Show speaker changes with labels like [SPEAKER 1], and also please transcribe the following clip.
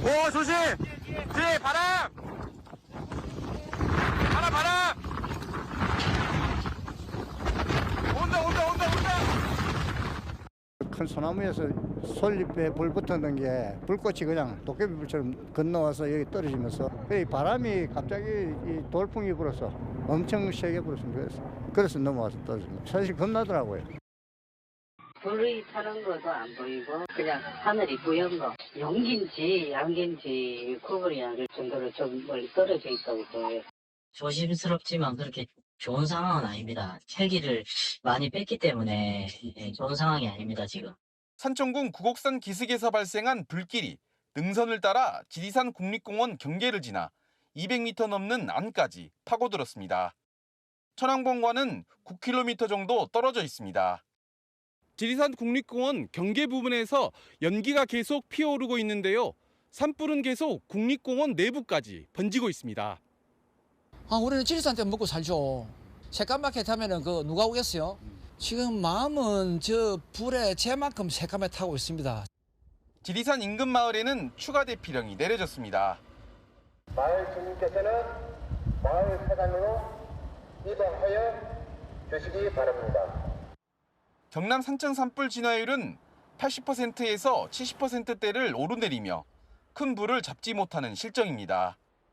[SPEAKER 1] 오, 조심! 뒤에 바람! 바람! 온다!
[SPEAKER 2] 큰 소나무에서 솔잎에 불 붙었는 게 불꽃이 그냥 도깨비불처럼 건너와서 여기 떨어지면서 이 바람이 갑자기 이 돌풍이 불어서 엄청 세게 불었습니다. 그래서 넘어와서 떨어집니다. 사실 겁나더라고요.
[SPEAKER 3] 불이 타는 것도 안 보이고 그냥 하늘이 뿌연 거. 용기인지 양기인지 구분이 안 될 정도로 좀 멀리 떨어져 있다고 보여요.
[SPEAKER 4] 조심스럽지만 그렇게 좋은 상황은 아닙니다. 헬기를 많이 뺐기 때문에 좋은 상황이 아닙니다, 지금.
[SPEAKER 1] 산청군 구곡산 기슭에서 발생한 불길이 능선을 따라 지리산 국립공원 경계를 지나 200m 넘는 안까지 파고들었습니다. 천왕봉과는 9km 정도 떨어져 있습니다. 지리산 국립공원 경계 부분에서 연기가 계속 피어오르고 있는데요. 산불은 계속 국립공원 내부까지 번지고 있습니다.
[SPEAKER 5] 우리는 지리산 때 먹고 살죠. 새까맣게 타면은 누가 오겠어요? 지금 마음은 저 불에 제만큼 새까맣게 타고 있습니다.
[SPEAKER 1] 지리산 인근 마을에는 추가 대피령이 내려졌습니다.
[SPEAKER 6] 마을 주민께서는 마을 사단으로 이동하여 주시기 바랍니다.
[SPEAKER 1] 경남 산청 산불 진화율은 80%에서 70%대를 오르내리며 큰 불을 잡지 못하는 실정입니다.